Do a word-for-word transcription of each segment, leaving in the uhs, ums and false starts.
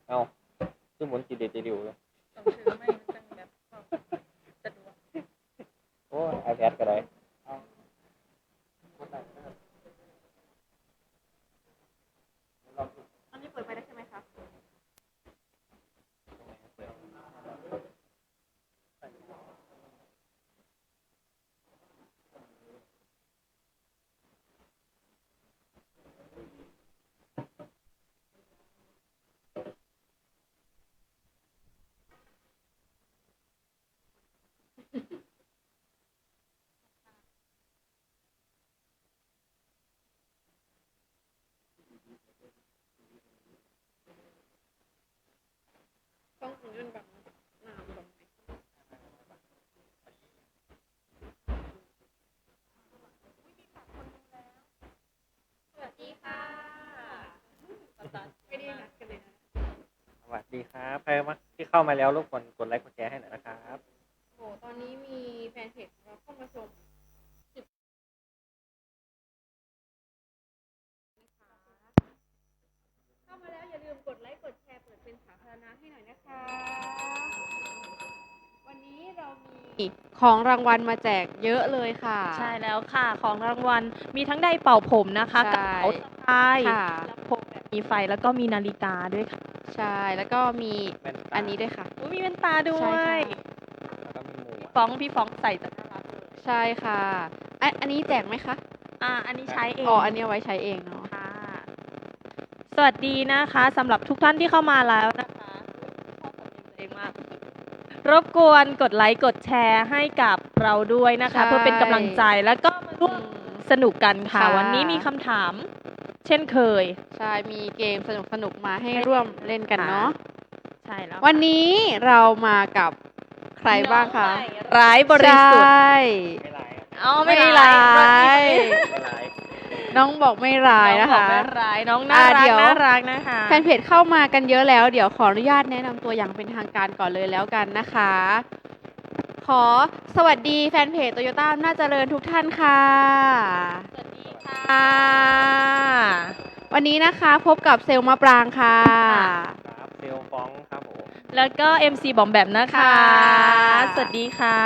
เอาคือหมุนจีเดจีดิวเลยต้องถือไม่มันจังแบบสะดวกโอ้ไอแพดก็ได้อันนี้เปิดไปได้ใช่ไหมคะต้องถึงยื่นบังหน้าบังไหมสวัสดีค่ะไม่ได้นัดกันเลยนะสวัสดีครับใครมาที่เข้ามาแล้วรบกวนกดไลค์กดแชร์ให้หน่อยนะครับโหตอนนี้มีแฟนเพจของเราเข้ามาชมเข้ามาแล้วอย่าลืมกดไลค์กดแชร์เปิดเป็นสาธารณะให้หน่อยนะคะ วันนี้เรามีของรางวัลมาแจกเยอะเลยค่ะใช่แล้วค่ะของรางวัลมีทั้งไดร์เป่าผมนะคะกใช่ระเป๋าสะพายค่ะลำโพงแบบมีไฟแล้วก็มีนาฬิกาด้วยค่ะใช่แล้วก็มีแว่นตาอันนี้ด้วยค่ะอุ๊ยมีแว่นตาด้วใช่ยค่ะแล้วก็มีหมวกฟ้องพี่ฟ้องใส่จะน่ารักเลยใช่ค่ะอันอันนี้แจกไหมคะอ่าอันนี้ใช้เองอ๋ออันนี้เอาไว้ใช้เองเนาะค่ะ สวัสดีนะคะสำหรับทุกท่านที่เข้ามาแล้วนะคะชอบสำเนียงตัวเองมากรบกวนกดไลค์กดแชร์ให้กับเราด้วยนะคะ เพื่อเป็นกำลังใจแล้วก็มาร่วมสนุกกันค่ะค่ะวันนี้มีคำถาม เช่นเคยใช่มีเกมสนุกสนุกๆมาให้ร่วมเล่นกันเนาะใช่แล้ววันนี้เรามากับใครบ้างคะน้อใหม่ร้ายบริสุทธิ์ใช่ไม่ร้ายครับอ๋อไม่ไม่ร้ายไม่ร้ายน้องบอกไม่ร้ายนะน้องบอคะกไม่ร้ายน้องน่าอ่ารัเดี๋กยวน่ารักนะคะแฟนเพจเข้ามากันเยอะแล้ว เดี๋ยวขออนุญาตแนะนำตัวอย่างเป็นทางการก่อนเลยแล้วกันนะคะ ขอสวัสดีแฟนเพจโตโยต้าน่าเจริญทุกท่านค่ะสวัสดีค่ะค่ะ วันนี้นะคะพบกับเซลล์มะปรางค่ะครับเซลลฟ้องครับผมแล้วก็ เอ็ม ซี บอมแบมนะคะค่ะสวัสดีค่ะ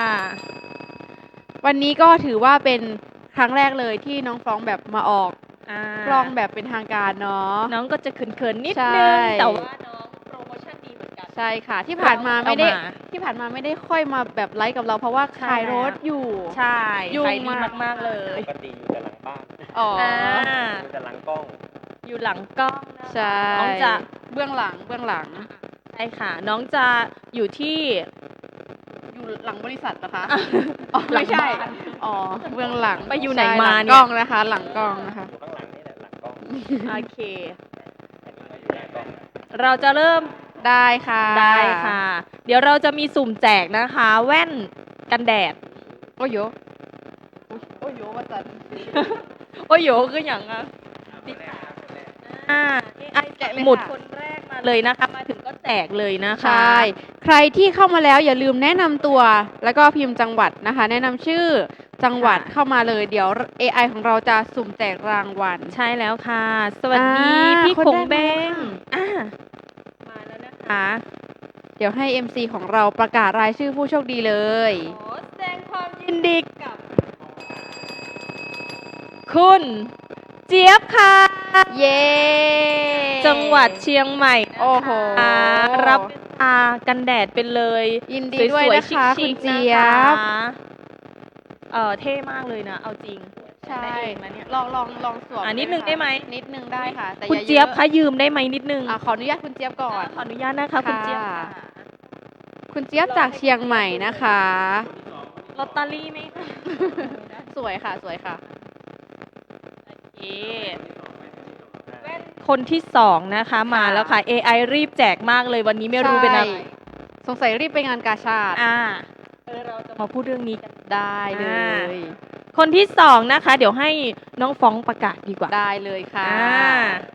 วันนี้ก็ถือว่าเป็นครั้งแรกเลยที่น้องฟ้องแบบมาออกอ่ากล้องแบบเป็นทางการเนาะน้องก็จะเขินๆนิดใช่นึง แต่ว่าน้องโปรโมชั่นดีเหมือนกันใช่ค่ะ ที่ผ่านมาไม่ได้เอามาที่ผ่านมาไม่ได้ค่อยมาแบบไลฟ์กับเราเพราะว่าใช่ขายรถอยู่ใช่ยุ่งขายดีมากมากๆเลยปกติอยู่แต่หลังบ้านอ๋อออ่าอยู่แต่หลังกล้องอยู่หลังกล้องนะคะใช่น้องจะเบื้องหลังเบื้องหลังใช่ค่ะ น้องจะอยู่ที่อยู่หลังบริษัทนะคะอ่ะอ๋อหลัไม่งใช่บ้านอ๋อเบื้องหลังไปอยู่ไหนใช่มาหลังเนี่ยกล้องนะคะ หลังกล้องนะคะอยู่ข้างหลังนี่แหละหลังกล้องโอเคอันนี้ก็อยู่หน้ากล้องเราจะเริ่มได้ค่ะได้ค่ะ เดี๋ยวเราจะมีสุ่มแจกนะคะ แว่นกันแดดโอ้โยโอ้โยว่าจันโอ้ยโหคืออย่างอ่ะอ่า เอ ไอแจกเลยหมุดค่ะคนแรกมาเลยนะคะ มาถึงก็แจกเลยนะคะใช่ ใครที่เข้ามาแล้วอย่าลืมแนะนำตัว แล้วก็พิมพ์จังหวัดนะคะ แนะนำชื่อจังหวัดค่ะเข้ามาเลย เดี๋ยว เอ ไอ ของเราจะสุ่มแจกรางวัลใช่แล้วค่ะ สวัสดีอ่าพี่คนคงแรกเบมาแล้วงค่ะอ่ามาแล้วนะคะเดี๋ยวให้ เอ็ม ซี ของเราประกาศรายชื่อผู้โชคดีเลยขอแสดงความยินดีกับ คุณเจี๊ยบค่ะเย้จังหวัดเชียงใหม่นะคะโอ้โหรับตากันแดดไปเลยยินดีด้วยสนะคะๆคุณชิคๆเจี๊ยบนะคะเออเท่มากเลยนะ เอาจริงใช่ได้เองนะเนี่ยลองลองลองสวมอ่ะนิดนึงค่ะได้ไหมนิดนึงได้ค่ะ แต่คุณอาเจี๊ยบอะคะยืมได้ไหมนิดนึงอ่ะขออนุญาตคุณเจี๊ยบก่อนขออนุญาตนะคะ คุณเจี๊ยบค่ะค่ะคุณเจี๊ยบจากเชียงใหม่นะคะลอตเตอรี่ไหมคะสวยค่ะ สวยค่ะโอเคแว่นคนที่สองนะคะมาแล้วค่ะ เอ ไอ รีบแจกมากเลยวันนี้ไม่รู้เป็นอะไรใช่สงสัยรีบไปงานกาชาติอ่าเออเราจะมาพูดเรื่องนี้กันได้เลอ่ายคนที่สองนะคะ เดี๋ยวให้น้องฟ้องประกาศดีกว่าได้เลยค่ะอ่า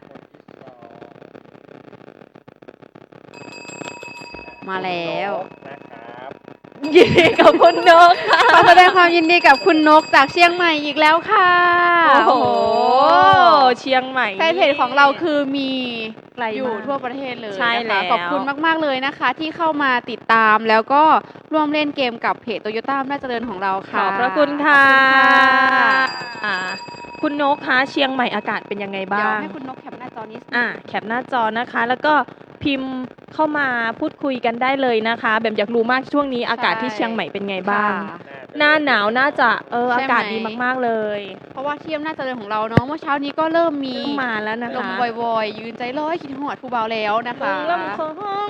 มาแล้วนะครับยินดีกับคุณนกค่ะขอแสดงความยินดีกับคุณนกจากเชียงใหม่อีกแล้วค่ะโอ้โห เชียงใหม่แฟนเพจของเราคือมีไกลอยู่มากทั่วประเทศเลยใช่นะคะแล้วขอบคุณมาก ๆ เลยนะคะ ที่เข้ามาติดตามแล้วก็ร่วมเล่นเกมกับเพจโตโยต้าอำนาจเจริญของเราขค่ะอบพระคุณค่ะขอบคุณค่ะอ่าคุณนกคะเชียงใหม่อากาศเป็นยังไงเดี๋ยวบ้างให้คุณนกแคปหน้าจอนี้อ่าแคปหน้าจอนะคะ แล้วก็พิมพ์เข้ามาพูดคุยกันได้เลยนะคะแบบอยากรู้มากช่วงนี้อากาศที่เชียงใหม่เป็นไงบ้างค่ะหน้าหนาวน่าจะเออใช่อาไหมกาศดีมากๆเลยเพราะว่าที่อำนาจเจริญของเราเนาะเมื่อเช้านี้ก็เริ่มมีเริ่มมาแล้วนะลมคะวอยๆยืนใจร้อยคิดหอดผู้เบาแล้วนะคะลมคอห้อง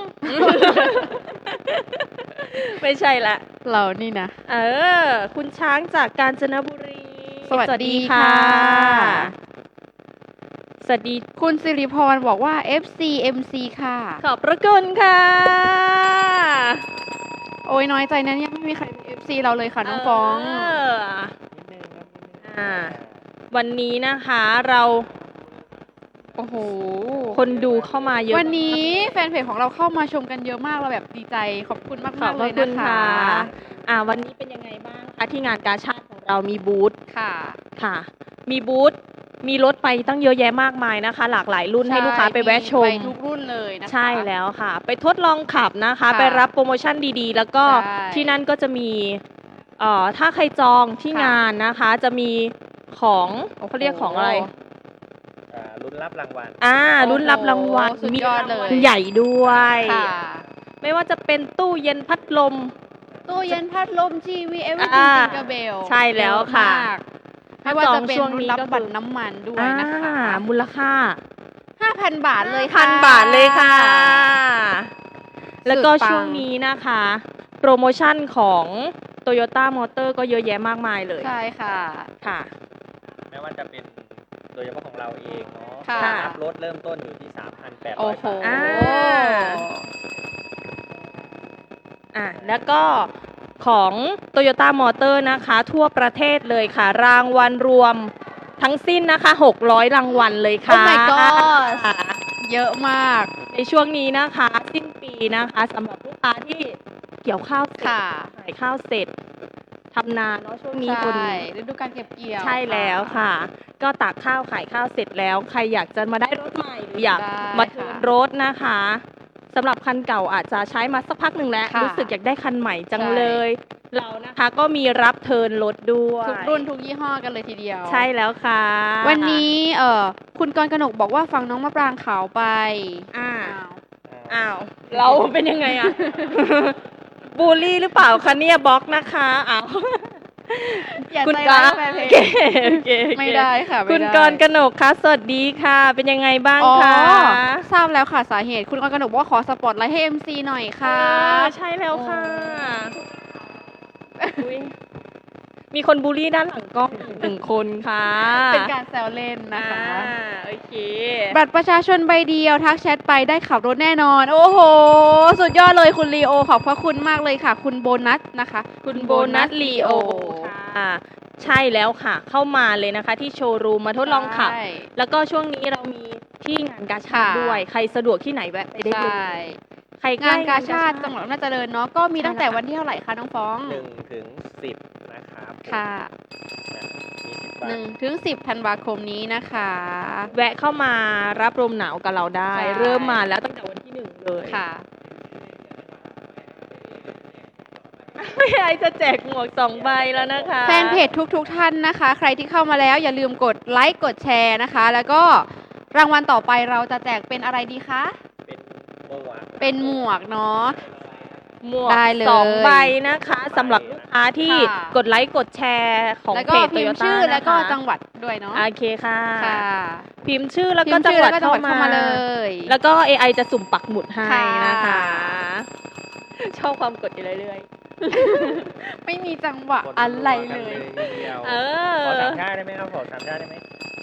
ไม่ใช่ละเรานี่นะเออ คุณช้างจากกาญจนบุรีสวัสดีค่ะสวัสดีคุณสิริพรบอกว่า เอฟ ซี เอ็ม ซี ค่ะขอบพระคุณค่ะโอ้ยน้อยใจนะเนี่ยไม่มีใครเป็น เอฟ ซี เราเลยค่ะน้องฟองเออนิดนึงครับนิดนึงอ่า วันนี้นะคะเราโอ้โหคนดูเข้ามาเยอะวันนี้แฟนเพจของเราเข้ามาชมกันเยอะมากเราแบบดีใจขอบคุณมากขอบๆพเลระยคุนะณคะค่ะ อ่า วันนี้เป็นยังไงบ้างคะที่งานกาชาดของเรามีบูธค่ะค่ะ มีบูธ มีรถไปตั้งเยอะแยะมากมายนะคะ หลากหลายรุ่นให้ลูกค้าไปแวะชมไปทุกรุ่นเลยนะคะใช่แล้วค่ะ ไปทดลองขับนะคะค่ะไปรับโปรโมชั่นดีๆ แล้วก็ใช่ที่นั่นก็จะมีเอ่อถ้าใครจองที่ค่ะงานนะคะ จะมีของเขาเรียกของอะไรอ่าลุ้นรับรางวัลอ่ารุ่นรับรางวัลโอ้โหสุดมียอดรางเลวัลยใหญ่ด้วยค่ะไม่ว่าจะเป็นตู้เย็นพัดลมตู้เย็นพัดลมทีวีเอเวอร์อ่าจิงกระเบลใช่แล้วค่ะไม่ว่าจะเป็นช่วงรุ่นนี้รับก็คือบัตรน้ำมันด้วยนะคะอ่ามูลค่าห้าพันบาทเลยพัค่ะนบาทเลยค่ะ แล้วก็สุดปังช่วงนี้นะคะ โปรโมชั่นของ Toyota Motor ก็เยอะแยะมากมายเลยใช่ค่ะค่ะไม่ว่าจะเป็นโดยเฉพาะของเราเองเนาะค่ะรับรถเริ่มต้นอยู่ที่ สามพันแปดร้โอ้อยโหบาทอ่า อ่ะแล้วก็ของ Toyota Motor นะคะ ทั่วประเทศเลยค่ะ รางวัลรวมทั้งสิ้นนะคะหกร้อยรางวัลเลยค่ะ Oh my god เยอะมากในช่วงนี้นะคะ สิ้นปีนะคะสำหรับลูกค้าที่เกี่ยวข้าวเสร็จค่ะขายข้าวเสร็จทำนาเนาะช่วงนี้ใช่คนฤดูการเก็บเกี่ยวใช่แล้วค่ะ ก็ตากข้าวขายข้าวเสร็จแล้ว ใครอยากจะมาได้รถใหม่หรืออยากได้มาเทิร์นค่ะรถนะคะสำหรับคันเก่าอาจจะใช้มาสักพักหนึ่งแล้วค่ะรู้สึกอยากได้คันใหม่จังใช่เลย เรานะคะก็มีรับเทิร์นรถด้วยทุกรุ่นทุกยี่ห้อกันเลยทีเดียวใช่แล้วค่ะวันนี้เอ่อคุณกรกนกบอกว่าฟังน้องมะปรางขาวไปอ่าอ้าวอ้าว เราเป็นยังไงอะ บูลลี่หรือเปล่าคะเนี่ยบล็อกนะคะอ้าวอย่าคุณใจกร้ายรแฟนเพโอเคจโอเคโอเไม่ได้ค่ะไม่คุณได้กรกนกคะสวัสดีค่ะ เป็นยังไงบ้างอ๋อคะทราบแล้วค่ะสาเหตุ คุณกรกนกบอกว่าขอสปอตไลท์ให้ เอ็ม ซี หน่อยค่ะอ่าใช่แล้วค่ะอุ๊ยมีคนบูลลี่ด้านหลังกล้องอีกหนึ่งคนค่ะเป็นการแซวเล่นนะคะอ่าโอเคบัตรประชาชนใบเดียวทักแชทไปได้ขับรถแน่นอน โอ้โห สุดยอดเลยคุณลีโอขอบพระคุณมากเลยค่ะ คุณโบนัสนะคะคุณโบนัสลีโอค่ะ ใช่แล้วค่ะ เข้ามาเลยนะคะ ที่โชว์รูมมาทดลองขับใช่แล้วก็ช่วงนี้เรามีที่งานกาชาดค่ะด้วย ใครสะดวกที่ไหนแวะไปได้เลใช่ยใครใกล้งานกาชาติจังหวัดอำนาจเจริญเนาะก็มีตั้งแต่วันที่เท่าไหร่คะน้องฟ้องหนึ่งถึงสิบนะครับค่ะนะมีสิบวันหนึ่งถึงสิบธันวาคมนี้นะคะแวะเข้ามารับลมหนาวกับเราได้ใช่เริ่มมาแล้วตั้งแต่วันที่หนึ่งเลยค่ะไม่ไอจะแจกหมวกสองใบแล้วนะคะแฟนเพจทุกๆทท่านนะคะ ใครที่เข้ามาแล้วอย่าลืมกดไลค์กดแชร์นะคะ แล้วก็รางวัลต่อไปเราจะแจกเป็นอะไรดีคะเป็นหมวกเป็นหมวกเนาะหมวกได้เลยสองใบนะคะสำหรับลูกค้าที่ค่ะกดไลค์กดแชร์ของแล้วเพก็จพิมพ์ Toyota ชื่อแล้วก็นะคะจังหวัดด้วยเนาะโอเคค่ะค่ะพิมพ์ชื่อแล้วพิก็มพ์จังชื่อหวัแล้ดวก็จังหเข้าวัดมาเข้ามาเลยแล้วก็ เอ ไอ จะสุ่มปักหมุดให้ค่ะนะคะ ชอบความกดอยู่เรื่อยไม่มีจังหวะคนอะไรวมเลกันยทีเดียวๆ เออขอสามชาติได้ไหมครับขอสามชาติได้ไหม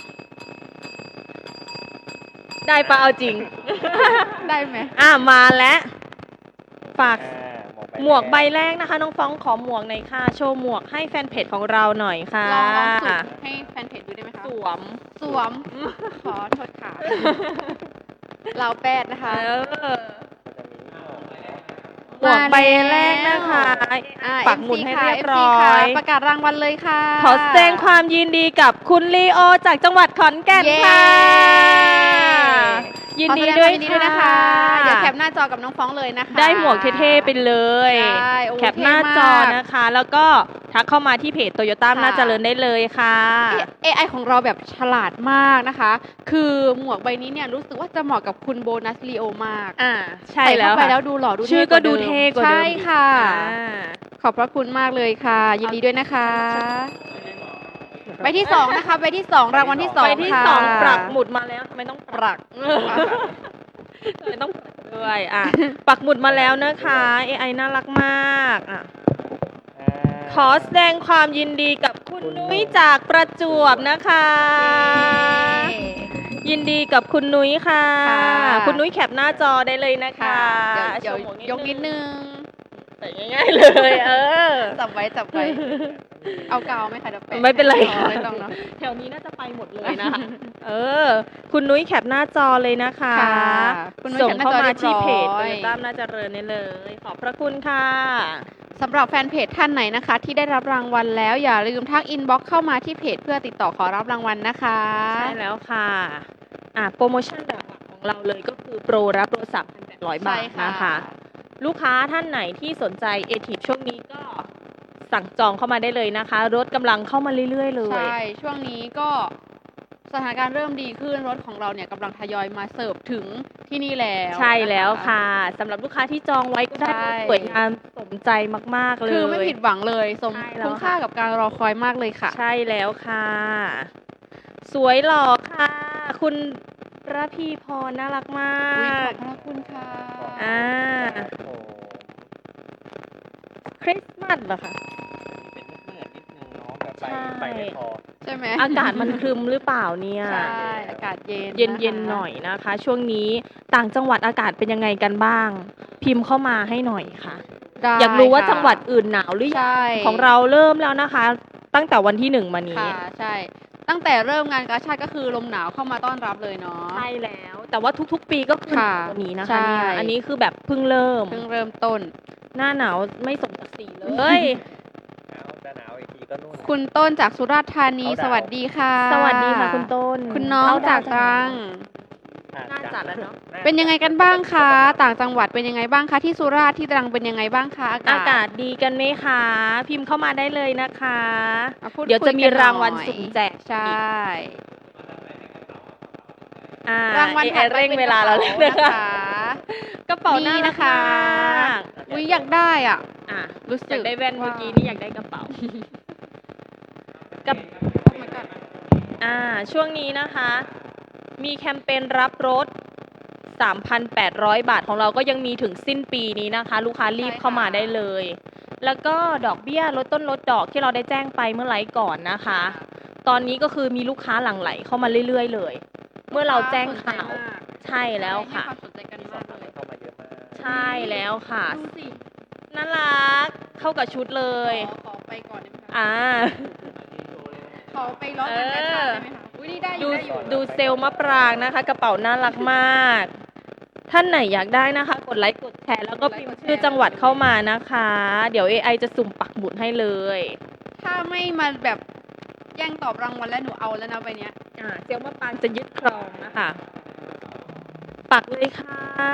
ได้ปะเอาจริงได้ไหมอ่ะมาแล้วฝากอ่าหมวกใบแรกนะคะ น้องฟ้องขอหมวกหน่อยค่ะ โชว์หมวกให้แฟนเพจของเราหน่อยค่ะลองลองสุ่มให้แฟนเพจดูได้ไหมคะสวมสวม ขอโทษค่ะ เราแปดนะคะเออ หมจะมีหมวกวกใบแรกนะคะอ่าปักหมุดให้เรียบร้อเอ็มซีค่ะยประกาศรางวัลเลยค่ะขอแสดงความยินดีกับคุณลีโอจากจังหวัดขอนแก่นเย้ค่ะยินขอดีแสงด้วยความยินดีด้วยนะคะค่ะเดี๋ยวแคปหน้าจอกับน้องฟ้องเลยนะคะได้หมวกเท่ๆไปเลยใช่โอ้แคปหน้าจอเท่มากนะคะ แล้วก็ทักเข้ามาที่เพจโตโยต้าค่ะน่าเจริญได้เลยค่ะเอไอของเราแบบฉลาดมากนะคะ คือหมวกใบนี้เนี่ยรู้สึกว่าจะเหมาะกับคุณโบนัสลีโอมากอ่าใช่ใส่แล้วเข้าไปค่ะแล้วดูหล่อดูชื่อท่ก็ว่าดูมเท่กว่าเดิมใช่ค่ะอ่าขอบพระคุณมากเลยค่ะ ยินดีด้วยนะคะใบที่สองนะคะใบที่สองรางวัลที่สองใบที่ค่ะสองปรักหมุดมาแล้วทำไมต้องปรักทำไมต้องปรักด้วยอ่ะ ปักหมุดมาแล้วนะคะ เอ ไอ น่ารักมากอ่ะอ่าขอแสดงความยินดีกับคุณนุ้ยจากประจวบนะคะ ยินดีกับคุณนุ้ยค่ะค่ะคุณนุ้ยแคปหน้าจอได้เลยนะคะค่ะเดี๋ยวเดี๋ยวโชว์หมยกนิดนึงใส่ง่ายๆเลย เออจับไว้จับไว้ เอากาวไหมคะเดี๋ยวแปะไม่เป็นไรอ๋อค่ะไม่ต้องเนาะแถวนี้น่าจะไปหมดเลยนะคะ เออ คุณนุ้ยแคปหน้าจอเลยนะคะค่ะคุณนุ้ยส่งแคปหน้าเข้าจอมาเรียบที่เพจร้โตอยโยต้าน่าเจริญนี่เลย ขอบพระคุณค่ะสำหรับแฟนเพจท่านไหนนะคะ ที่ได้รับรางวัลแล้วอย่าลืมทักอินบ็อกซ์เข้ามาที่เพจเพื่อติดต่อขอรับรางวัลนะคะใช่แล้วค่ะ อ่ะ โปรโมชั่นหลักๆของเราเลยก็คือโปรรับโทรศัพท์ หนึ่งพันแปดร้อย บาทใช่ค่ะนะคะ ลูกค้าท่านไหนที่สนใจเอทีฟช่วงนี้ก็สั่งจองเข้ามาได้เลยนะคะ รถกำลังเข้ามาเรื่อยๆ เลยใช่ ช่วงนี้ก็สถานการณ์เริ่มดีขึ้นรถของเราเนี่ยกำลังทยอยมาเสิร์ฟถึงที่นี่แล้วใช่แล้วนค่ะสำหรับลูกค้าที่จองไว้ก็ได้ใช่สวยงามสมใจมากๆเลยคือไม่ผิดหวังเลยสมใช่แล้วคุณค่าค่ะกับการรอคอยมากเลยค่ะใช่แล้วค่ะ สวยหล่อค่ะ คุณระพีพรน่ารักมาอุ๊ยขกอบพระคุณค่ะอ่าครับผมคริสต์มาสเหรอคะเป็นมืดๆนิดนึงเนาะแบบไฟใช่ไฟไม่พอใช่ไหมอากาศมันครึมหรือเปล่าเนี่ยใช่อากาศเย็นเย็นเย็นนะคะหน่อยนะคะ ช่วงนี้ต่างจังหวัดอากาศเป็นยังไงกันบ้าง พิมพ์เข้ามาให้หน่อยค่ะได้อยากรู้ว่าค่ะจังหวัดอื่นหนาวหรือยังใช่ของเราเริ่มแล้วนะคะ ตั้งแต่วันที่หนึ่งมานี้ค่ะใช่ ตั้งแต่เริ่มงานกาชาดก็คือลมหนาวเข้ามาต้อนรับเลยเนาะใช่แล้ว แต่ว่าทุกๆ ปีก็คือหค่ะนาวกว่านี้นะคะใช่เนี่ยอันนี้คือแบบเพิ่งเริ่มเพิ่งเริ่มต้นหน้าหนาวไม่สมศักดิ์ศรีเลยหนาวจะหนาวอีกทีก็นู่นคุณต้นจากสุราษฎร์ธานีเขาดาวสวัสดีค่ะสวัสดีค่ะคุณต้นคุณน้องเข้จากดวตรังอ่น่าจะแล้วเนาะาเป็นยังไงกันบ้างคะ ต่างจังหวัดเป็นยังไงบ้างคะ ที่สุราษฎร์ที่ตรังเป็นยังไงบ้างคะอากาศอากาศดีกันไหมคะ พิมพ์เข้ามาได้เลยนะคะมาพูดเดี๋ยวจะมีคุกันหน่อยรางวัลสุ่มแจกใช่อ่ารางวัลเอถัดไปเร่งป็นเวลาเราแล้วกระนะเป๋าคะนะคะกระเป๋านี่น่ารักนะคะมากอุ้ยอยากได้อ่ะอ่ะรู้สึกอยากได้แว่นเมื่อกี้นี่อยากได้กระเป๋ากับ Oh my god อ่า ช่วงนี้นะคะ มีแคมเปญรับรถ สามพันแปดร้อย บาทของเราก็ยังมีถึงสิ้นปีนี้นะคะ ลูกค้ารีบใช่ค่ะเข้ามาได้เลย แล้วก็ดอกเบี้ยลดต้นลดดอกที่เราได้แจ้งไปเมื่อไลฟ์ก่อนนะคะ ตอนนี้ก็คือมีลูกค้าหลั่งไหลเข้ามาเรื่อยๆเลย เมื่อเราแจ้งข่าว ใช่แล้วค่ะให้ความสนใจกันมีมากสองเลยเข้ามาเยอะมากใช่แล้วค่ะดูสิน่ารัก เข้ากับชุดเลยขอขอไปก่อนได้ไหมคะอ่าขอไปล้อกันกระชากได้ไหมคะอุ้ยนี่ได้อดูยู่ได้อยู่ดูเซลล์มะปรางนะคะ กระเป๋าน่ารักมาก ท่านไหนอยากได้นะคะ กดไลค์กดแชร์แล้วก็พิมพ์ชื่อจังหวัดเข้ามานะคะ เดี๋ยว เอ ไอ จะสุ่มปักหมุดให้เลยถ้าไม่มาแบบแย่งตอบรางวัลแล้วหนูเอาแล้วนะใบเนี้ยอ่าเซลล์มะปรางจะยึดครองนะคะ ปักเลยค่ะ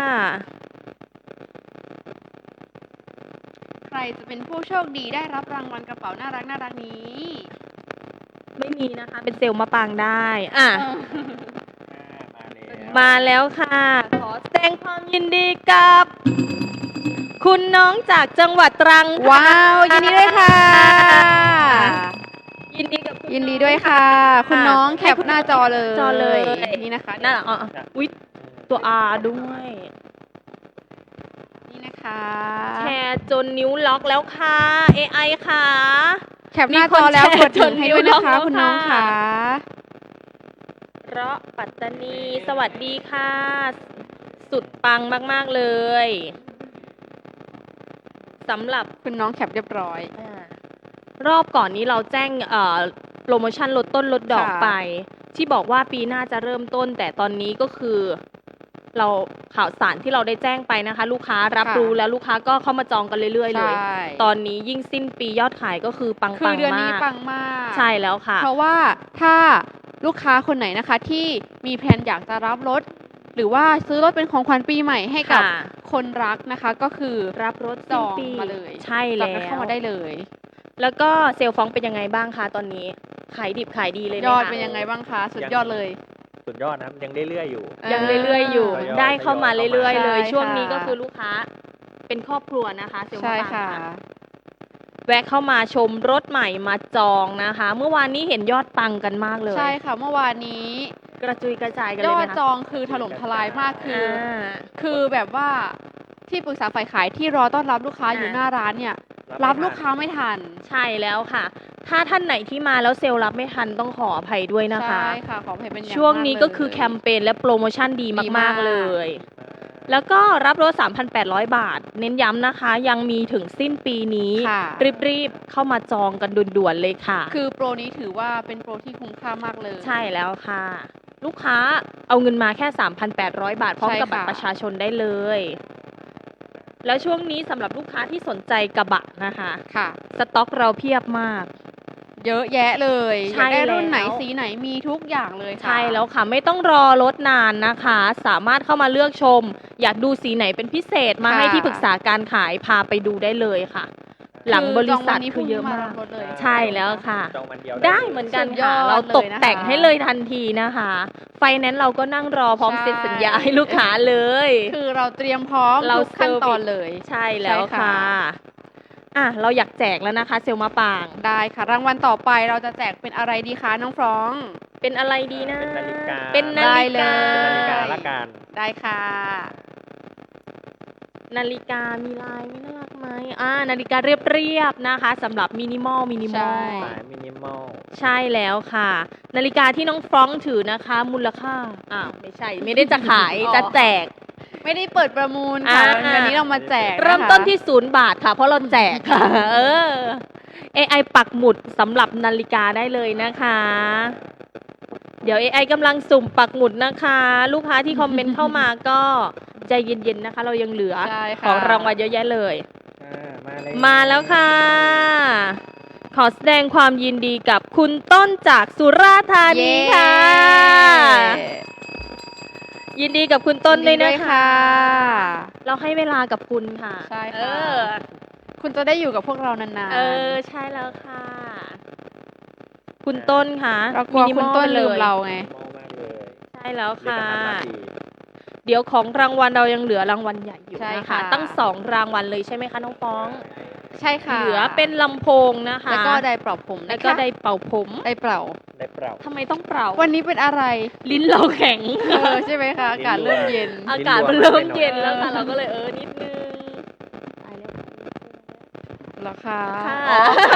ใครจะเป็นผู้โชคดีได้รับรางวัลกระเป๋าน่ารักน่ารักนี้ไม่มีนะคะ เป็นเซลล์มะปรางได้ อ่ะเอออ่ามาแล้วมาแล้วค่ะ ขอแสดงความยินดีกับ คุณน้องจากจังหวัดตรังค่ะว้าวยินดีด้วยค่ะยินดีกับคุณยินดีด้วยค่ะ คุณน้องแคปหน้าจอเลยจอเลยนี่นะคะน่ารักอ่ะอ่ะอุ๊ยตัว R ด้วยนี่นะคะแชร์จนนิ้วล็อกแล้วค่ะ เอ ไอ ค่ะแคปหน้าจอแล้วมีกคนดถึงให้ด้วยนะคะแชร์จนคุณน้องนิ้วล็อกแล้วค่ะเราะปัตตานี สวัสดีค่ะ สุดปังมาก ๆ เลยสำหรับคุณน้องแคปเรียบร้อยอารอบก่อนนี้เราแจ้งเอ่อโปรโมชั่นลดต้นลดดอกค่ะไป ที่บอกว่าปีหน้าจะเริ่มต้น แต่ตอนนี้ก็คือ เราข่าวสารที่เราได้แจ้งไปนะคะ ลูกค้ารับค่ะรู้แล้วลูกค้าก็เข้ามาจองกันเรื่อยๆ เลยใช่ตอนนี้ยิ่งสิ้นปียอดขายก็คือปังคืปัอง เดือนนี้มากปังมากใช่แล้วค่ะเพราะว่าถ้าลูกค้าคนไหนนะคะที่มีแผนอยากจะรับรถหรือว่าซื้อรถเป็นของขวัญปีใหม่ให้กับค่ะคนรักนะคะ ก็คือรับรถจสิ้นองปีมาเลยใช่จอแล้งกันเข้าว มาได้เลยแล้วก็เซลล์ฟองเป็นยังไงบ้างคะตอนนี้ ขายดิบขายดีเลยไหมยอดคะเป็นยังไงบ้างคะ สุดยังยอดเลยสุดยอดนะครับยังเรื่อยๆอยู่ยังเรื่อยๆอยู่ทยอยได้เข้ามาทยอยเรื่อยๆ เลยใช่ช่วงนี้ค่ะก็คือลูกค้าเป็นครอบครัวนะคะเซลล์ใช่มะปรางค่ะค่ะ แวะเข้ามาชมรถใหม่มาจองนะคะ เมื่อวานนี้เห็นยอดปังกันมากเลยใช่ค่ะ เมื่อวานนี้กระจุยกระจายกันยเลยอไหมดคะจองคือถล่มทลายมากคือออ่าคือแบบว่าที่ปรึกษาฝ่ายขายที่รอต้อนรับลูกค้าอยู่อ่าหน้าร้านเนี่ยไม่รับทันลูกค้าไม่ทันใช่แล้วค่ะ ถ้าท่านไหนที่มาแล้วเซลล์รับไม่ทันต้องขออภัยด้วยนะคะใช่ค่ะ ขออภัยเป็นอย่างช่วงนี้มากก็คือเลยแคมเปญและโปรโมชั่นดีดีมามาก ก ๆ เลย แล้วก็รับรถ สามพันแปดร้อย บาท เน้นย้ำนะคะ ยังมีถึงสิ้นปีนี้ค่ะรีบ ๆ เข้ามาจองกันด่วน ๆ เลยค่ะคือโปรนี้ถือว่าเป็นโปรที่คุ้มค่ามากเลยใช่แล้วค่ะ ลูกค้าเอาเงินมาแค่ สามพันแปดร้อย บาท พร้อมใช่กับบัตรค่ะประชาชนได้เลย แล้วช่วงนี้สำหรับลูกค้าที่สนใจกระบะนะคะค่ะสต็อกเราเพียบมากเยอะแยะเลยใช่อยากได้รุ่นไหนแล้วสีไหนมีทุกอย่างเลยค่ะใช่แล้วค่ะ ไม่ต้องรอรถนานนะคะ สามารถเข้ามาเลือกชม อยากดูสีไหนเป็นพิเศษมาค่ะให้ที่ปรึกษาการขายพาไปดูได้เลยค่ะ หลังบริษัทจงวันนี้คือเยอะมากพรุ่งนี้รับรถเลยใช่แล้วค่ะจองวันเดียวได้ลยเหมือนกันสุดยค่ะอดเราตกเลยนะคะแต่งให้เลยทันทีนะคะ ไฟแนนซ์เราก็นั่งรอพร้อมใช่เซ็นสัญญาให้ลูกค้าเลยคือเราเตรียมพร้อมเราทุกขั้นตอน service เลยใช่แล้วใช่ค่ะค่ะ อ่ะ เราอยากแจกแล้วนะคะ เซลล์มะปรางได้ค่ะ รางวัลต่อไปเราจะแจกเป็นอะไรดีคะน้องฟรองเป็นอะไรดีนะเป็นนาฬิกาเป็นนาได้ฬิเลกายเป็นนาฬิกาละกันได้ค่ะนาฬิกามีลายไม่น่ารักไหมอ่า นาฬิกาเรียบๆนะคะสำหรับมินิมอลมินิมอใช่ลสายมินิมอลใช่แล้วค่ะ นาฬิกาที่น้องฟรองก์ถือนะคะ มูลค่าอ้าวไม่ใช่ ไม่ได้จะขายอ๋อจะแจกไม่ได้เปิดประมูลค่ะอ่าวันนี้เรามาแจกะคะเริ่มต้นที่ศูนย์บาทค่ะ เพราะเราแจกค่ะ เออ เอ ไอ ปักหมุดสำหรับนาฬิกาได้เลยนะคะ เดี๋ยว เอ ไอ กำลังสุ่มปักหมุดนะคะ ลูกค้าที่คอมเมนต์เข้ามาก็ใจเย็นๆนะคะ เรายังเหลือใช่ค่ะของรางวัลเยอะแยะเลยอ่ามาเลยมาแล้วค่ะ ขอแสดงความยินดีกับคุณต้นจากสุราษฎร์ธานีค่ะ ยินดีกับคุณต้นด้วยยินะดีคะ เราให้เวลากับคุณค่ะใช่ค่ะเออคุณจะได้อยู่กับพวกเรานานๆเออ ใช่แล้วค่ะ คุณต้นค่ะเรากลัวคุณต้นลืมเราไงมินิมอลมากเลยใช่แล้วเดี๋ยวค่ะจะทำหน้าที่เดี๋ยวของรางวัลเรายังเหลือรางวัลใหญ่อยู่ใช่นะค่ะคะ ตั้งสองรางวัลเลยใช่ไหมคะน้องป้องใช่ค่ะเหลือเป็นลำโพงนะคะแล้วก็ได้เป่าผมแล้วนะคะก็ได้เป่าผมได้เป่าได้เปล่าทำไมต้องเป่าวันนี้เป็นอะไรลิ้นเราแข็งเออใช่ไหมคะอากาศเริ่มเย็นอากาศมันเริ่มเย็นแล้วค่ะ เราก็เลยเออนิดนึงตายแล้วเหรอคะค่ะอ๋อ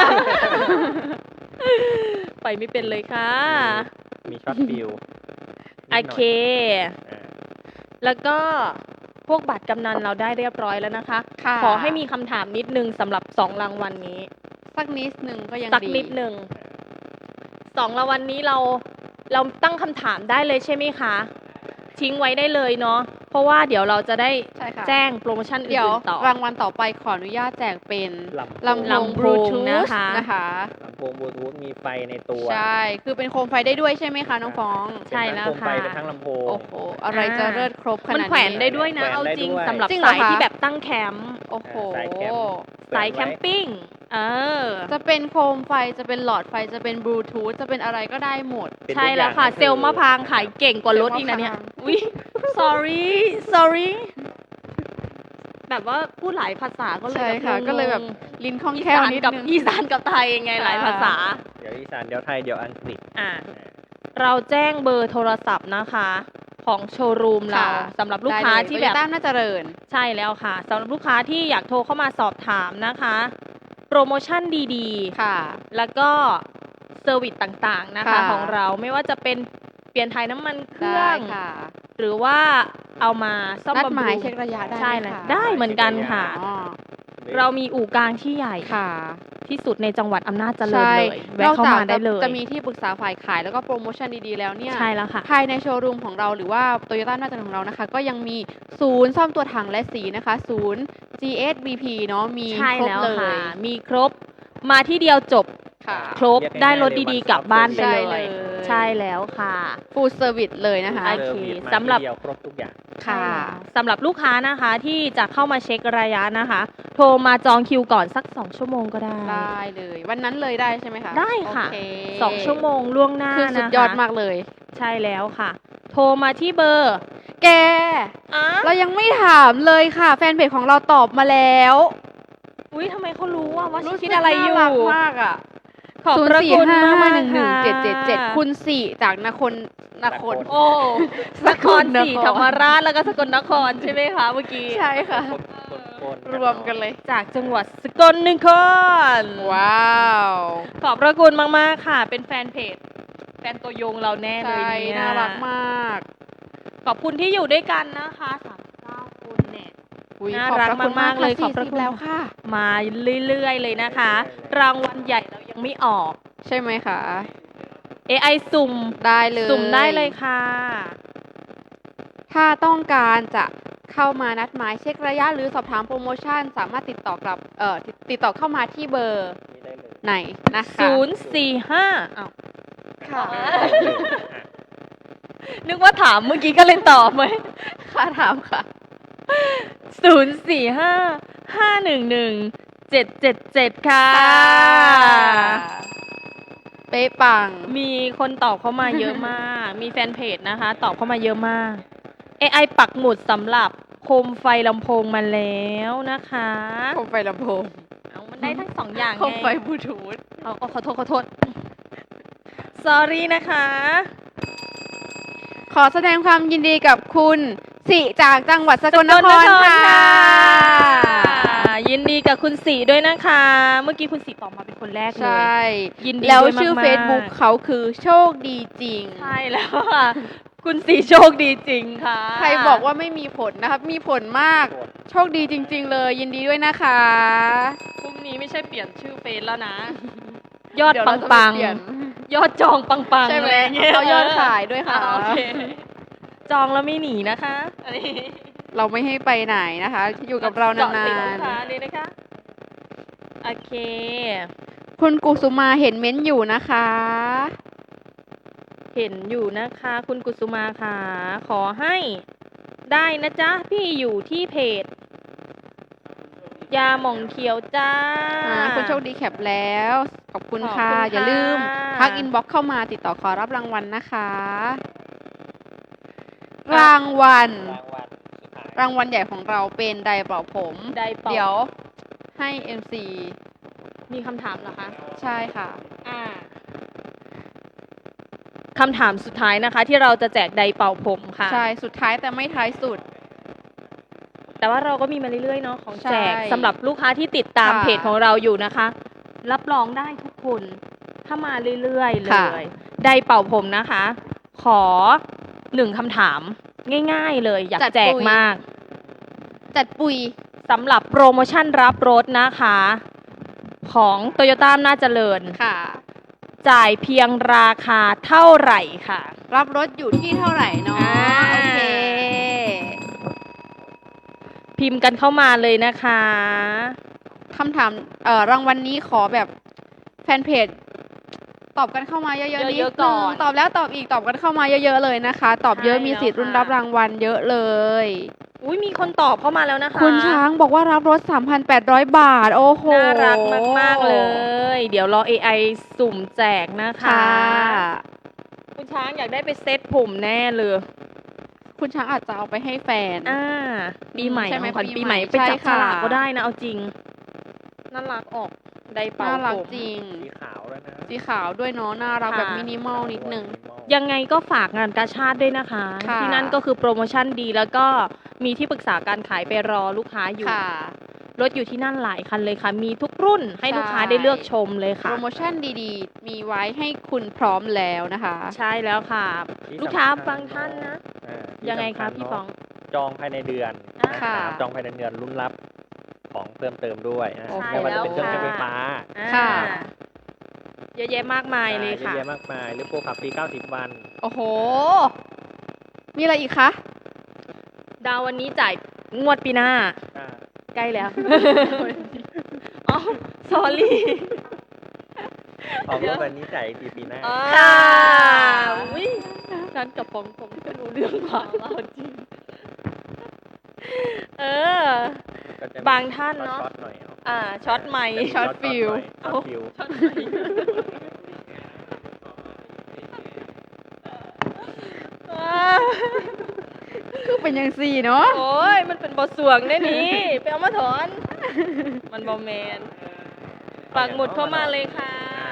ไปไม่เป็นเลยค่ะมีช็อตฟิลโอเค แล้วก็พวกบัตรกำนันเราได้เรียบร้อยแล้วนะคะค่ะขอให้มีคำถามนิดนึงสำหรับสองรางวัลนี้สักนิดหนึ่งก็ยังสักดีนิดนึงสองรางวัลนี้เราเราตั้งคำถามได้เลยใช่ไหมคะ ทิ้งไว้ได้เลยเนาะเพราะว่าเดี๋ยวเราจะได้ใช่ค่ะแจ้งโปรโมชั่นเดี๋ยวอื่นๆต่อรางวัลต่อไปขออนุญาตแจกเป็นลำโพงลำโพงบลูทูธนะคะนะคะลำโพงบลูทูธมีไฟในตัวใช่ คือเป็นโคมไฟได้ด้วยใช่ไหมคะน้องฟองใช่แล้วเป็นทั้งโคมไฟค่ะเป็นทั้งลำโพงโอ้โห อะไรจะเลิศครบขนาดมันนี้แขวนได้ด้วยนะแขวนเอาได้จริงด้วยสำหรับจริงเหรอสายคะที่แบบตั้งแคมป์โอ้โหสายแคมป์สายแคมปิ้ง เออจะเป็นโคมไฟ จะเป็นหลอดไฟ จะเป็นบลูทูธ จะเป็นอะไรก็ได้หมดเป็นใช่ทุกแล้วค่ะอย่างเซลล์มะพร้างขายเก่งกว่ารถอีกนะเนี่ยเซลล์มะพร้างอุ้ย sorry sorry แบบว่าพูดหลายภาษาก็เลยใช่ค่ะงงๆก็เลยแบบลิ้นคล่องอีแคล่วสานนิดกับนึงอีสานกับไทยยังไงหลายภาษาเดี๋ยวอีสานเดี๋ยวไทยเดี๋ยวอังกฤษอ่า เราแจ้งเบอร์โทรศัพท์นะคะ ของโชว์รูมเราค่ะสำหรับลูกค้าที่แบบต้าน่าเจริญใช่แล้วค่ะสำหรับลูกค้าที่อยากโทรเข้ามาสอบถามนะคะ โปรโมชั่นดีค่ะๆ แล้วก็เซอร์วิสต่างๆนะคะค่ะของเราไม่ว่าจะเป็นเปลี่ยนถ่ายน้ำมันเครื่ได้องค่ะหรือว่าเอามาซ่อมนัดบำหรุมายงเช็คระยะได้ใช่ไหมเลยคะได้เหมือนกันค่ะอ๋อเรามีอู่กลางที่ใหญ่ค่ะที่สุดในจังหวัดอำนาจเจริญใช่เลยแวะเข้ามาได้เลยจะมีที่ปรึกษาฝ่ายขายแล้วก็โปรโมชั่นดีๆแล้วเนี่ยใช่แล้วค่ะภายในโชว์รูมของเราหรือว่าโตโยต้าน่าจะของเรานะคะ ก็ยังมีศูนย์ซ่อมตัวถังและสีนะคะ ศูนย์ จี เอส บี พี เนาะมีใช่ครบแล้วเลค่ะยมีครบมาที่เดียวจบค่ะครบได้รถดีๆกลับบ้านไปใช่เลเลย ยใช่แล้วค่ะฟูลเซอร์วิสเลยนะคะโอเคซร์วิมาสำหรับที่เดียวครบทุกอย่างค่ะสำหรับลูกค้านะคะที่จะเข้ามาเช็คระยะนะคะ โทรมาจองคิวก่อนสักสองชั่วโมงก็ได้ได้เลย วันนั้นเลยได้ใช่ไหมคะได้ค่ะโอเคสองชั่วโมงล่วงหน้าคือสุดนะคะยอดมากเลยใช่แล้วค่ะ โทรมาที่เบอร์แกอ่ะเรายังไม่ถามเลยค่ะ แฟนเพจของเราตอบมาแล้วอุ้ยทำไมเขารู้ว่าว่าฉันรู้สึกคิดอะไรอยู่น่ารักมากอ่ะขอบศูนพย์ระสี่คุณห้ามากห้าๆหนึ่งหนึ่งค่ะเจ็ดเจ็ดเจ็ดคุณสี่จากนครนครโอ้นครศรีนครธรรมราชแล้วก็สกลนครใช่ไหมคะเมื่อกี้ใช่ค่ะคนๆรวมกันเลยจากจังหวัดสกลนครว้าวขอบพระคุณมาก ๆ ค่ะ เป็นแฟนเพจ แฟนตัวยงเราแน่เลยใช่เนี่ยน่ารักมากขอบคุณที่อยู่ด้วยกันนะคะสามสิบเก้าคนเนี่ยอุ๊ยน่าขอบรักพระคุณมากๆเลยค่ะขอบพระคุณสี่สิแล้วค่ะมาเรื่อย ๆ เลยนะคะ รางวัลใหญ่เรายังไม่ออกใช่ไหมคะเอ ไอ สุ่มได้เลยสุ่มได้เลยค่ะถ้าต้องการจะเข้ามานัดหมายเช็คระยะหรือสอบถามโปรโมชั่น สามารถติดต่อกลับเอ่อติดติดต่อเข้ามาที่เบอร์นี่ได้เลยไหนนะคะศูนย์ สี่ ห้าอ้าวค่ะนึกว่าถามเมื่อกี้ก็เลยตอบไหมค่ะถามค่ะศูนย์ สี่ ห้า ห้า หนึ่ง หนึ่ง เจ็ด เจ็ด เจ็ด ค่ะเป๊ะปังมีคนตอบเข้ามาเยอะมาก มีแฟนเพจนะคะ ตอบเข้ามาเยอะมาก เอ ไอ ปักหมุดสำหรับโคมไฟลำโพงมาแล้วนะคะโคมไฟลำโพงเอามันได้ทั้งสองอย่างโคมไฟไงบลูทูธเอาเอาขอโทษขอโทษ sorry นะคะขอแสดงความยินดีกับคุณสิจากจังหวัดสกลนครค่ะยินดีกับคุณสีด้วยนะคะ เมื่อกี้คุณสีตอบมาเป็นคนแรกเลใช่ย ยินดีแล้วด้วยชื่อมากๆ Facebook เขาคือโชคดีจริงใช่แล้วค่ะ คุณสีโชคดีจริงค่ะใครบอกว่าไม่มีผลนะครับ มีผลมาก โชคดีจริง ๆ เลย ยินดีด้วยนะคะพรุ่งนี้ไม่ใช่เปลี่ยนชื่อเฟซแล้วนะ ยอดเดี๋ยวปัเรางจะปังไปเปลี่ยนยอดจองปังปังใช่ไหมอะไรเงี้ยเอายอดขายด้วยค่ะอ่าโอเค จองแล้วไม่หนีนะคะอันนี้เราไม่ให้ไปไหนนะคะ อยู่กับเรานาจอดติดลูนกค้าเลยนะคะ โอเคๆ คุณกุสุมาเห็นเม้นต์อยู่นะคะเห็นอยู่นะคะ คุณกุสุมาค่ะ ขอให้ได้นะจ๊ะ พี่อยู่ที่เพจ ยาหม่องเขียวจ้าอ่าคุณโชคดีแคปแล้ว ขอบคุณขอบค่ะคุณอย่าลืมค่ะทักอินบ็อกเข้ามาติดต่อขอรับรางวัลนะคะ รางวัลรางวัลสุดท้ายรางวัลใหญ่ของเราเป็นไดร์เป่าผมได้เปล่าเดี๋ยวให้ เอ็ม ซีมีคำถามเหรอคะใช่ค่ะอ่าคำถามสุดท้ายนะคะ ที่เราจะแจกไดร์เป่าผมค่ะใช่ สุดท้ายแต่ไม่ท้ายสุดแต่ว่าเราก็มีมาเรื่อยๆเนาะของแจกใช่สำหรับลูกค้าที่ติดตามค่ะเพจของเราอยู่นะคะ รับรองได้ทุกคน ถ้ามาเรื่อยๆเลค่ะย ไดร์เป่าผมนะคะ ขอหนึ่งคำถามง่าย ๆ เลย อยากแจกมากจัดปุยสำหรับโปรโมชั่นรับรถนะคะ ของ Toyota น่าเจริญค่ะจ่ายเพียงราคาเท่าไหร่ค่ะรับรถอยู่ที่เท่าไหร่เนาะอ่าโอเคพิมพ์กันเข้ามาเลยนะคะคำถามเอ่อรางวัลนี้ขอแบบแฟนเพจ ตอบกันเข้ามาเยอะๆนิดเยอะๆนึก่อง นตอบแล้วตอบอีกตอบกันเข้ามาเยอะๆเลยนะคะ ตอบเยอะใช่มีสิทธิ์แล้วรุ่นค่ะรับรางวัลเยอะเลยอุ้ยมีคนตอบเข้ามาแล้วนะคะคุณช้างบอกว่ารับรถ สามพันแปดร้อย บาท โอ้โหน่ารักมาก ๆ เลย เดี๋ยวรอ เอ ไอ สุ่มแจกนะคะค่ะคุณช้างอยากได้ไปเซตผมแน่เลยคุณช้างอาจจะเอาไปให้แฟนอ่า ปีใหม่ใช่ไหมของขวัญปีปีใหใหม่ม่ไปจับใช่ฉค่ะลากก็ได้นะ เอาจริง น่ารักออก ได้เป่าน่ารักผมจริงสีขาวแล้วนะสีขาวด้วยเนาะ น่ารักค่ะแบบมินิมอลนิดนึงยังไงก็ฝากงานกาชาติด้วยนะคะค่ะที่นั่นก็คือโปรโมชั่นดีแล้วก็มีที่ปรึกษาการขายไปรอลูกค้าอยู่ค่ะรถอยู่ที่นั่นหลายคันเลยค่ะ มีทุกรุ่นให้ใช่ลูกค้าได้เลือกชมเลยโปค่ะรโมชั่นดีๆ มีไว้ให้คุณพร้อมแล้วนะคะใช่แล้วค่ะที่ลูกค้าสำคัญบางท่านนะอ่าที่ยังไงคะสำญพี่เนะฟองจองภายในเดือนอ่านะค่ะจองภายในเดือนรุ่นรับของเพิ่มเติมด้วยอ่าโอ้โหไม่ว่าจะเป็นเครื่องใช่ใช้แล้วไฟฟ้าค่ะอ่าเยอะแยะมากมายเลยอ่าค่ะเยอะแยะมากมาย หรือโปรขับฟรีเก้าสิบวันโอ้โห มีอะไรอีกคะดาววันนี้จ่ายงวดปีหน้าอ่าใกล้แล้ว อ๋อ sorry ออกรถวันนี้จ่ายอีกทีปีหน้าค่ะอุ้ยการกับฟองคงไม่รู้เรื่องกว่าเราจริง เออก็จะมีบางท่านเนอะช็อตหน่อยเนาะอ่าช็อตไมค์เป็นช็อตฟิลช็อตฟิลช็อตไมค์อ่าคือเป็นยังสี่เนาะโอ้ย มันเป็นบทสวงได้นี่ ไปเอามาถอน มันบอแมนปักหมุดเข้ามาเลยค่ะ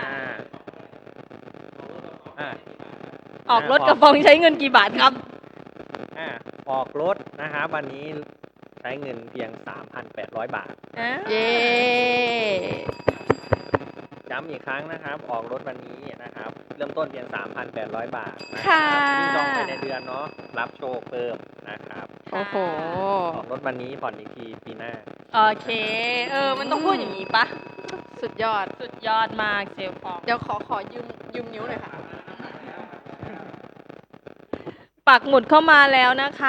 อ่าออกรถกับฟองใช้เงินกี่บาทครับอ่าออกรถนะครับวันนี้ใช้เงินเพียง สามพันแปดร้อย บาทอ่าเย้ย้ำอีกครั้งนะครับ ออกรถวันนี้นะครับ เริ่มต้นเพียง สามพันแปดร้อย บาทนะคค่ะรับยิ่งจองไปในเดือนเนาะรับโชคเพิ่มนะครับโอ้โหออกรถวันนี้ผ่อนอีกทีปีหน้าโอเค เออ มันต้องพูดอย่างนี้ปะสุดยอดสุดยอดมากเซลฟองเดี๋ยวขอขอยืมยืมนิ้วหน่อยค่ะปักหมุดเข้ามาแล้วนะคะ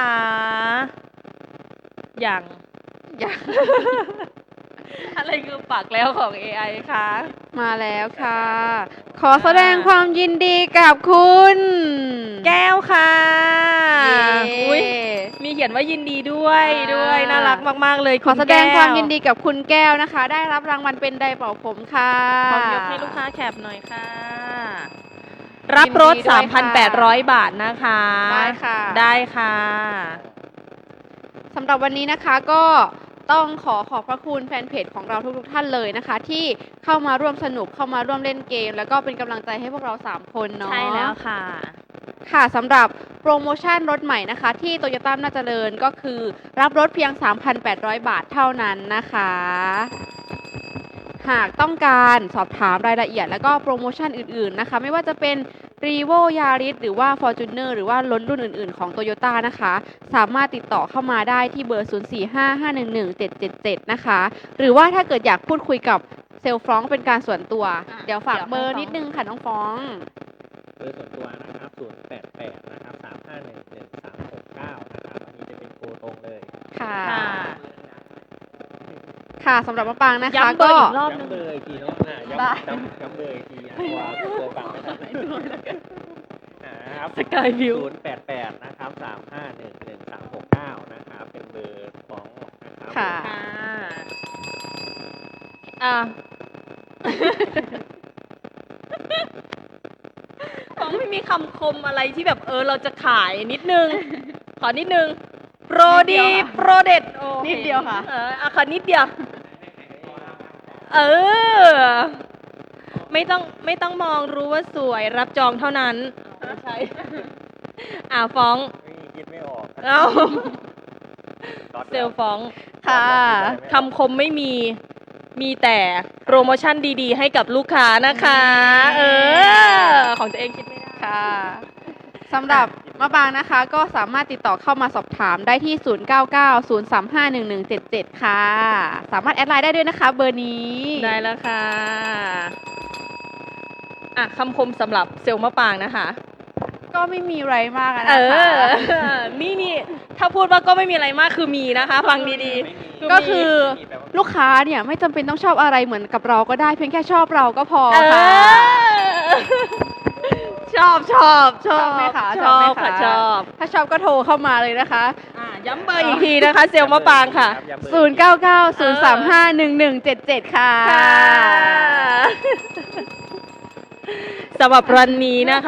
อย่างอย่าอะไรคือปักแล้วของ เอ ไอ คะมาแล้วค่ะ ขอแสดงความยินดีกับคุณแก้วค่ะเย้อุ๊ยมีเขียนว่ายินดีด้วยอ่าด้วยน่ารักมากๆเลยขอแสดงณก้ความยินดีกับคุณแก้วนะคะ ได้รับรางวัลเป็นไดร์เป่าผมค่ะพร้อมยกให้ลูกค้าแคปหน่อยค่ะ รับรถยินดีด้วยค่ะสามพันแปดร้อย บาทนะคะได้ค่ะได้ค่ะสำหรับวันนี้นะคะก็ต้องขอขอบพระคุณแฟนเพจของเราทุกๆท่านเลยนะคะ ที่เข้ามาร่วมสนุกเข้ามาร่วมเล่นเกม แล้วก็เป็นกำลังใจให้พวกเราสามคนเนาะใช่แล้วค่ะค่ะสำหรับโปรโมชั่นรถใหม่นะคะที่โตโยต้าน่าเจริญก็คือรับรถเพียง สามพันแปดร้อย บาทเท่านั้นนะคะ หากต้องการสอบถามรายละเอียดแล้วก็โปรโมชั่นอื่นๆนะคะ ไม่ว่าจะเป็น รีโว Yaris หรือว่า Fortuner หรือว่ารถรุ่นอื่นๆของ Toyota นะคะ สามารถติดต่อเข้ามาได้ที่เบอร์ ศูนย์ สี่ ห้า ห้า หนึ่ง หนึ่ง เจ็ด เจ็ด เจ็ด นะคะ หรือว่าถ้าเกิดอยากพูดคุยกับเซลล์ฟรองก์เป็นการส่วนตัวอ่ะเดี๋ยวฝากเดี๋ยวเบอร์ให้ฟ้องนิดนึงค่ะน้องฟรองก์เบอร์ส่วนตัวนะครับ ศูนย์ แปด แปด นะครับ สาม ห้า หนึ่ง หนึ่ง สาม หก เก้า นะครับ อันนี้จะเป็นโทรตรงเลยค่ะค่ะค่ะสำหรับมะปางนะคะย้ำเบอก็ร์อีกรอบหนึงย้ำเบอร์อีกทีเนาะอ่ะได้ย้ำย้ำย้ำเบอร์อีกทีอ่ะตัวเคยฟังไม่ทันนะครับสกายวิวศูนย์ แปด แปด นะครับ สาม ห้า หนึ่ง หนึ่ง สาม หก เก้า นะครับ เป็นเบอร์ของนะครับค่ะค่ะอ่ะ ผมไม่มีคำคมอะไรที่แบบเออเราจะขายนิดนึง ขอนิดนึง โปรนิดเดีดียวค่ะโปรเด็ดโอ้นิดเดียวค่ะเอออ่ะขอนิดเดียว เออ ไม่ต้องไม่ต้องมองรู้ว่าสวยรับจองเท่านั้นไม่ใช่ อ่ะฟ้องไม่คิดไม่ออกเอ้าก๊อตเซลลฟ้องค่ะคำคมไม่มี มีแต่โปรโมชั่นดีๆ ให้กับลูกค้านะคะ เออ ของตัวเองคิดไม่ได้ค่ะสำหรับมะปางนะคะ ก็สามารถติดต่อเข้ามาสอบถามได้ที่ ศูนย์ เก้า เก้า ศูนย์ สาม ห้า หนึ่ง หนึ่ง เจ็ด เจ็ด ค่ะ สามารถแอดไลน์ได้ด้วยนะคะ เบอร์นี้ได้แล้วค่ะ อ่ะคำคมสำหรับเซลล์มะปางนะคะก็ไม่มีอะไรมากอะเอนะคะอ นี่นี่ถ้าพูดว่าก็ไม่มีอะไรมากคือมีนะคะ ฟังดีไม่มีๆก็คือมีแปลว่าลูกค้าเนี่ยไม่จำเป็นต้องชอบอะไรเหมือนกับเราก็ได้เพียงแค่ชอบเราก็พอเอค่ะอชอบชอบชอบชอบไหมคะชชอบอไหมบค่ะคะชอบถ้าชอบก็โทรเข้ามาเลยนะคะอ่ะย้ำเบอร์อีกทีนะคะ เซลล์มะปางค่ะย้ำเบอร์ศูนย์ เก้า เก้า ศูนย์ สาม ห้า หนึ่ง หนึ่ง เจ็ด เจ็ด ค่ะค่ะสำหรับวันนี้นะคะ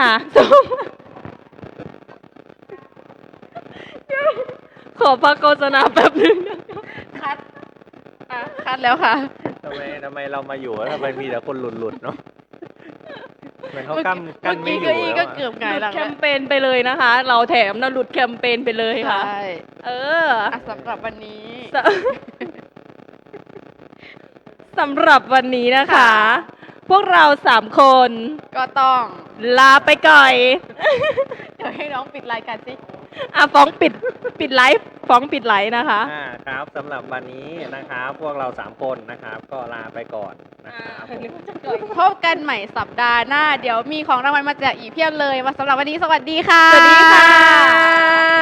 ขอพักโฆษณาแป๊บนึงนะคะคัดอ่ะคัดแล้วค่ะทำไมทำไมเรามาอยู่แล้วทำไมมีแต่คนหลุดๆเนาะเหมือนเขาเมื่อกี้กั้นกั้นไม่อเมื่ยู่อกี้แล้วก็อะเกือบหหงายลุดหลังแคแล้วมเปญไปเลยนะคะ เราแถมนะหลุดแคมเปญไปเลยค่ะใช่เอออ่ะสำหรับวันนี้สสำหรับวันนี้นะคะค่ะพวกเราสามคนก็ต้องลาไปก่อยเดี๋ยวให้น้องปิดรายการสิอ่ะฟ้องปิดปิดไลฟ์ฟ้องปิดไลฟ์นะคะอ่าครับสำหรับวันนี้นะครับพวกเราสามคนนะครับ ก็ลาไปก่อนนะครับผมพบกันใหม่สัปดาห์หน้า เดี๋ยวมีของรางวัลมาแจกอีกเพียบเลยมาสำหรับวันนี้สวัสดีค่ะสวัสดีค่ะ